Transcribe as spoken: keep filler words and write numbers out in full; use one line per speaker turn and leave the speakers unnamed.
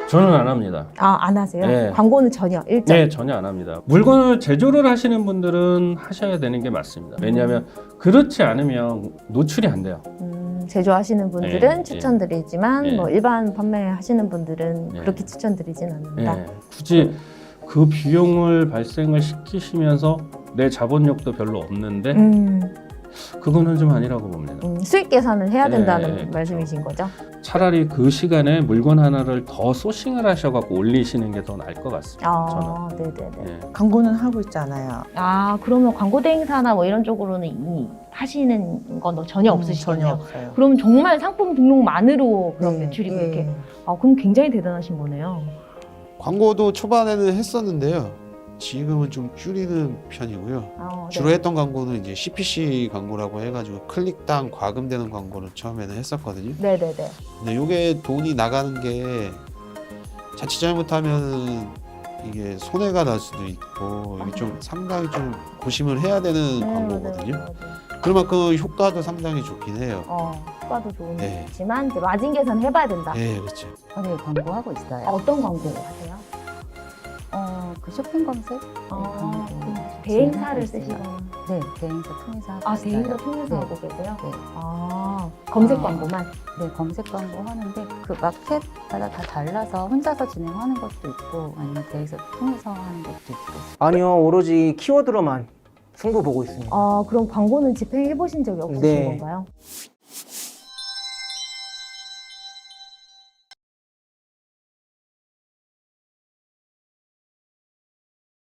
저는 안 합니다.
아, 안 하세요?
네.
광고는 전혀 일절.
네, 전혀 안 합니다. 물건을 제조를 하시는 분들은 하셔야 되는 게 맞습니다. 왜냐하면 그렇지 않으면 노출이 안 돼요.
음, 제조하시는 분들은
네,
추천드리지만
네.
뭐 일반 판매하시는 분들은
네.
그렇게 추천드리진 않는다.
네, 굳이 그 비용을 발생을 시키시면서 내 자본력도 별로 없는데
음,
그거는 좀 아니라고 봅니다.
음, 수익 계산을 해야 된다는
네,
말씀이신 거죠?
차라리 그 시간에 물건 하나를 더 소싱을 하셔갖고 올리시는 게 더 나을 것 같습니다.
아,
저는.
네네네.
네.
광고는 하고 있잖아요.
아, 그러면 광고 대행사나 뭐 이런 쪽으로는 이미 하시는 건 전혀
음,
없으시겠네요.
전혀 없어요.
그럼 정말 상품 등록만으로 그런
네,
매출이
예.
그렇게. 아, 그럼 굉장히 대단하신 거네요.
광고도 초반에는 했었는데요. 지금은 좀 줄이는 편이고요.
아,
주로
네.
했던 광고는 이제 씨피씨 광고라고 해가지고 클릭당 과금되는 광고를 처음에는 했었거든요.
네네네.
근데 이게 돈이 나가는 게 자칫 잘못하면 이게 손해가 날 수도 있고 이게 좀 상당히 좀 고심을 해야 되는
네,
광고거든요.
맞아요, 맞아요.
그만큼 효과도 상당히 좋긴 해요.
어, 효과도
네.
좋지만 이제 마진 계산 해봐야 된다.
네, 그렇죠.
네, 광고하고 있어요.
아, 어떤 광고 하세요?
어, 그 쇼핑 검색?
아,
네,
그
광고
대행사를
진행하고 있어요.
쓰시거나.
네, 대행사 통해서 하고
아,
있어요.
대행사 통해서
네.
하고 계세요?
네.
아, 검색
아.
광고만?
네, 검색 광고 하는데 그 마켓마다 다 달라서 혼자서 진행하는 것도 있고 아니면 대행사 통해서 하는 것도 있고.
아니요, 오로지 키워드로만 승부 보고 있습니다.
아, 그럼 광고는 집행해 보신 적이 없으신
네.
건가요?